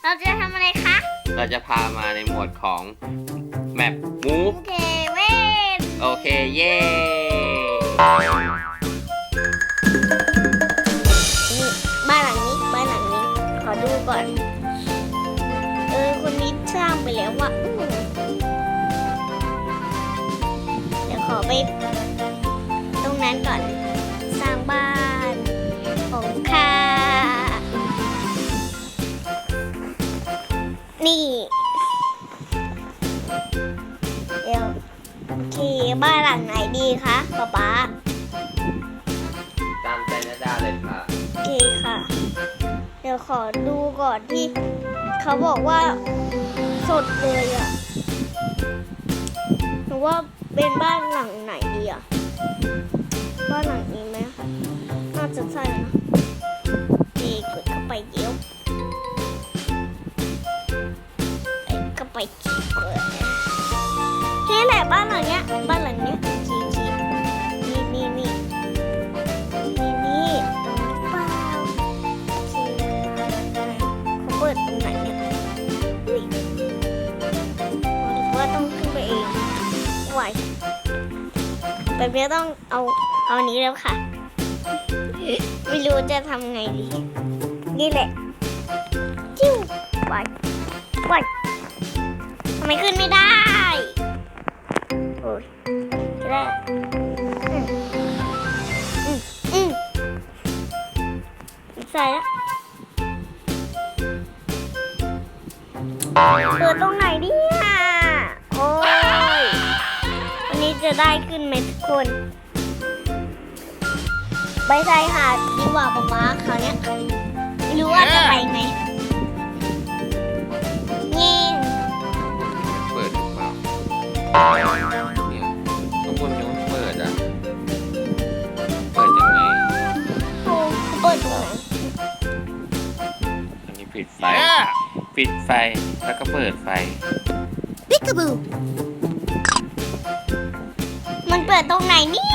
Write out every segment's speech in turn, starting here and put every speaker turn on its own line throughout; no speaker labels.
เราจะทำอะไรคะ
เราจะพามาในหมวดของแมปมูฟ
เทเว่น
โอเค เย้
นี่บ้านหลังนี้ขอดูก่อน คนนี้สร้างไปแล้วว่ะเดี๋ยวขอไปตรงนั้นก่อน สร้างบ้านของข้านี่เดี๋ยวโอเคบ้านหลังไหนดีคะป๊า
ตามใจนาดาเลยค่ะ
โอเคค่ะ เดี๋ยวขอดูก่อนที่เขาบอกว่าสดเลยอ่ะหรือว่าเป็นบ้านหลังไหนดีอ่ะบ้านหลังนี้ไหมคะน่าจะใช่นะดีกดเข้าไปเดี๋ยวเข้าไปขี้เกิดนี่แหละบ้านหลังเนี้ยขี้นี่เปล่าเขาเปิดตรงไหนเนี่ยว่าต้องขึ้นไปเองไหวแบบนี้ต้องเอานี้แล้วค่ะ ไม่รู้จะทำไงดี นี่แหละจิ้วไหวทำไมขึ้นไม่ได้โอ้ยได้ใส่แล้วเปิดตรงไหนดิอ่ะโอ้ยวันนี้จะได้ขึ้นไหมทุกคนไปใส่หาดดีกว่าป๊าป๊าเขาวเนี้ยไม่รู้ว่าจะไปไหมนี่
เปิดหรือเปล่าเนี่ยข้างบนยังไม่เปิดอ่ะ เปิดยังไง
เขาเปิดตรงไหน
อันนี้ปิดไฟ ปิดไฟ แล้วก็เปิดไฟ
ปิกาบูมันเปิดตรงไหนนี่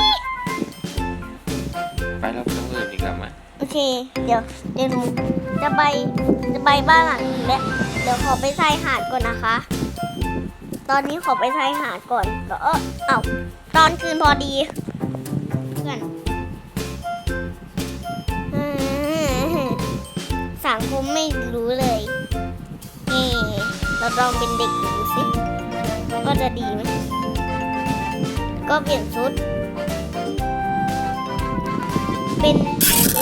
ไปเราไปตรงอื่นดีกว่าไหม
โอเค เดี๋ยวหนูจะไปบ้านหลังนี้แหละเดี๋ยวขอไปชายหาดก่อนนะคะ ตอนนี้ขอไปชายหาดก่อนแล้วตอนคืนพอดีเพื่อนสังคมไม่รู้เลยนี่เราลองเป็นเด็กดูสิก็จะดีไหมก็เปลี่ยนชุดเป็นเด็ก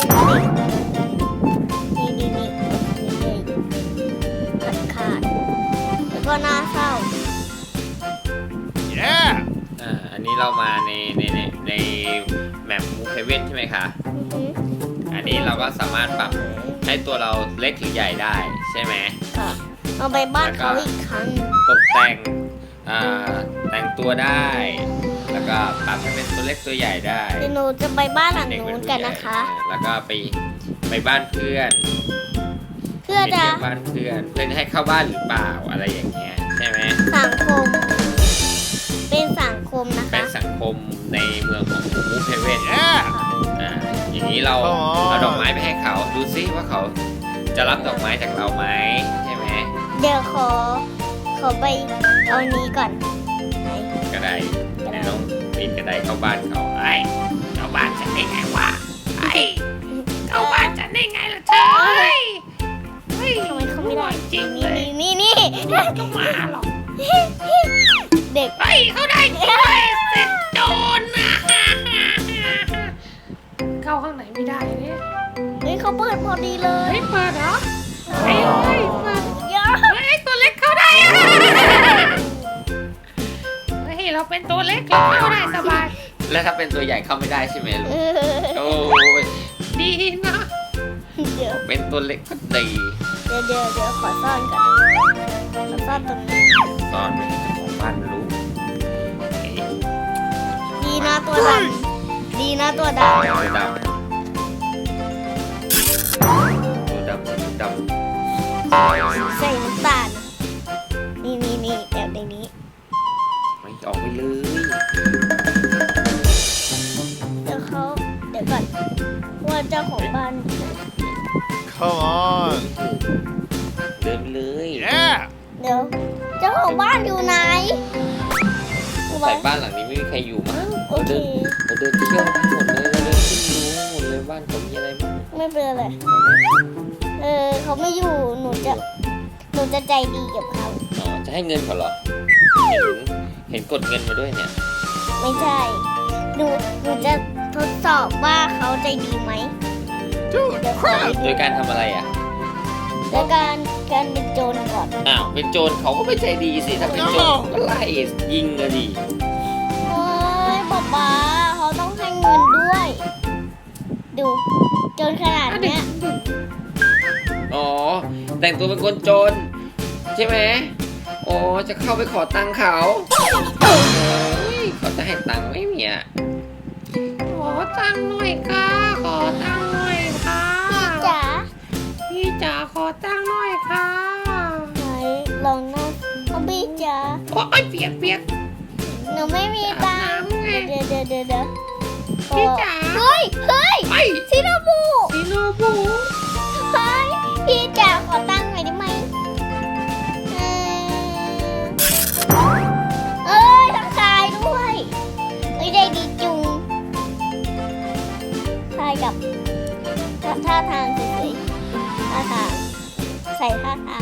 นี่เลยขาดแล้วก็น่าเศร้า
อันนี้เรามาในแมปมูฟเฮเว่นใช่ไหมคะ อันนี้เราก็สามารถปรับให้ตัวเราเล็กหรือใหญ่ได้ใช่ไหม
ค่ะเอาไปบ้านเขาอีกครั้ง
ตกแต่งแต่งตัวได้ แล้วก็ปรับให้เป็นตัวเล็กตัวใหญ่ได้
เดี๋ยวหนูจะไปบ้านหลังนู้นกันนะคะ
แล้วก็ไปบ้านเพื่อน
เพื่อจะ
ไปเที่ยวบ้านเพื่อนให้เข้าบ้านหรือเปล่าอะไรอย่างเงี้ยใช่ไหม
สังคม เป็นสังคมนะ
เป็
คะ
นสังคมในเมืองของมูฟเฮเว่นอย่างนี้เราเอาดอกไม้ไปให้เขาดูซิว่าเขาจะรับดอกไม้จากเราไหมใช่ไหม
เดี๋ยวขอไปเอานี้ก่อนไหน
กระไดในน้องปีนกระไดเข้าบ้านเขาไอ้เข้าบ้านฉันได้ไงวะไอ้เข้าบ้านฉันได้ไงล่ะเธอเฮ้ย
ทำไมเขาไม่ได้
จริงเลย
นี่
ก็มาหรอก
เด็ก
เฮ้ยเขาได้ด้วยเสร็จโดนนะ
เข้าข้างไหนไม่ได้เนี่ย
เฮ้ยเขาเปิดพอดีเลย
เฮ้ยเปิดเหรอเฮ้ยเปิด
เยอะ
เฮ้ยตัวเล็กเข้าได้อะเฮ้ยเราเป็นตัวเล็กเราเข้าได้สบาย
แล้วถ้าเป็นตัวใหญ่เข้าไม่ได้ใช่ไหมลูกโอ้ย
ดีนะ
เดี๋ยว
เป็นตัวเล็กก็ดี
เดี๋ยวขอซ่อนก่อนขอซ่อนตรงนี้
ตอนไม่ให้เจ้าของบ้านรู้
ดีนะตัวดำดีนะตัวดำ
ตัวดำ
ใส่น้ำตาลนี่แอบในนี้
ไม่ออกไปเลย
เดี๋ยวก่อนว่าเจ้าของบ้าน
Come on.
ดินไปเลย
เดี๋ยวเจ้าของบ้านอยู่ไหน
ใส่บ้านหลังนี้ไม่มีใครอยู่มั้ง
โอเค
เราเดินเที่ยวทั้งหมดเลยเราเดินขึ้นดูหมดเลยบ้านเขามีอะไรบ้าง
ไม่เป็นไรเขาไม่อยู่หนูจะใจดีกับเขา
อ๋อจะให้เงินเขาเหรอเห็นกดเงินมาด้วยเนี่ย
ไม่ใช่หนูจะทดสอบว่าเขาใจดีไหมเดี๋ยวขอไป
โด
ดู
ยการทำอะไรอ่ะ
แล้วการเป็นโจรก่อน
อ้าวเป็นโจรเขาก็ไม่ใจดีสิถ้าเป็นโจรเขาก็ไล่ยิงเลยดิ
เฮ้ยป๊าเขาต้องให้เงินด้วย ดูโจรขนาดเนี้ย
อ๋อแต่งตัวเป็นคนโจรใช่ไหมอ๋อจะเข้าไปขอตังค์เขาโอ้ยเขาจะให้ตังค์ไหม่มีอ่ะ
ขอตังค์หน่อยค่ะ ขอตังค์หน่อยค่ะ
จ๋า
พี่จ๋าขอตังค์หน่อยค่ะ
ไหนลองนะเอาบี้จ๋า
โอ้ยเปียกเปียก
หนูไม่มีตังค์
อาบน้ำไง
เดี๋ยว
พี่จ๋า
เฮ้ย
ไป
ซิโนบุ
ซีโนบุ
เฮ้ยพี่จ๋าขอตังค์หน่อยได้ไหมเอ้ยทักทายด้วยเอ้ยได้ดีจุงทายกับท่าทางสวยๆท่าทางใส่ท่าทาง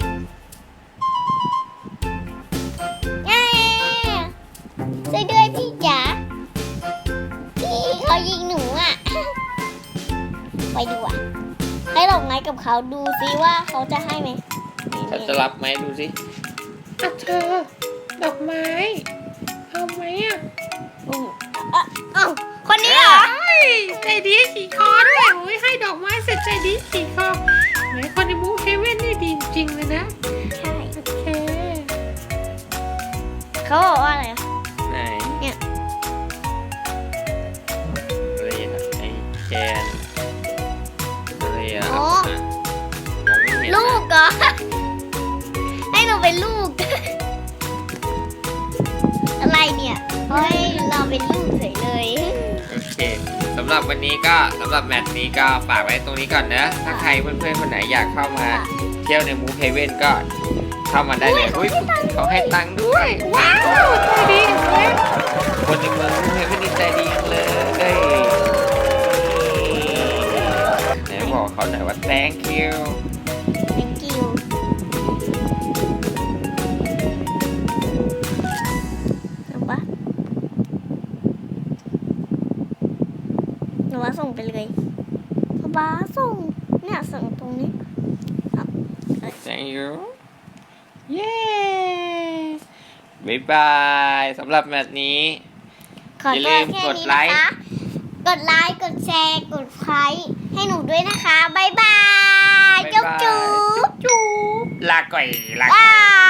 แง่ช่วยด้วยพี่จ๋าพี่เขายิงหนูอ่ะ ไปดูอ่ะให้ดอกไม้กับเขาดูซิว่าเขาจะให้ไหม
เขาจะรับไหมดูสิ
อ่ะเธอ ดอกไม้ เอาไหมอ่ะ
เอ้าคนนี้เหรอ
เฮ้ยใจดีขี่คอด้วยโอ้ยให้ดอกไม้เสร็จใจดีขี่คอแหมคนในมูเฮเว่นนี่ดีจริงเลยนะ
ใช่
โอเค
เขาบอกว่าอะไรอ่ะ
ไหน
เนี่ย
อะไรอ่ะไอ้แกนอะไรอ่ะ
อ๋อ
มองไม่เห็น
ลูกเหรอ ให้เราเป็นลูก อะไรเนี่ยเฮ้ยเราเป็นลูกเฉยเลย
โอเคสำหรับวันนี้ก็สำหรับแมตช์นี้ก็ฝากไว้ตรงนี้ก่อนนะถ้าใครเพื่อนๆคนไหนอยากเข้ามาเที่ยวในมูฟเฮเว่นก็เข้ามาได้เลยอุ้ยเขาให้ตังค์ด้วย
ว้าวใจดีเห็นไหม
คนในเมืองมูฟเฮเว่นนี่ใจดีจังเลยไหนบอกเขาหน่อยว่า thank you
thank you เอาปะหนูว่าส่งไปเลยป๊าส่ง เนี่ยส่งตรงนี้
thank you
เย้
บ๊ายบายสำหรับแมตช์นี้
ขอ
อย่าลื
ตัว
ม
แค่
กด
นี้
ไล
นะ
ค์
คะ กดไลค์ กดแชร์ กดไลค์ให้หนูด้วยนะคะ บ๊ายบาย จุ๊บจุ๊บ
จุ๊บ
ลาก่อยลา
บาย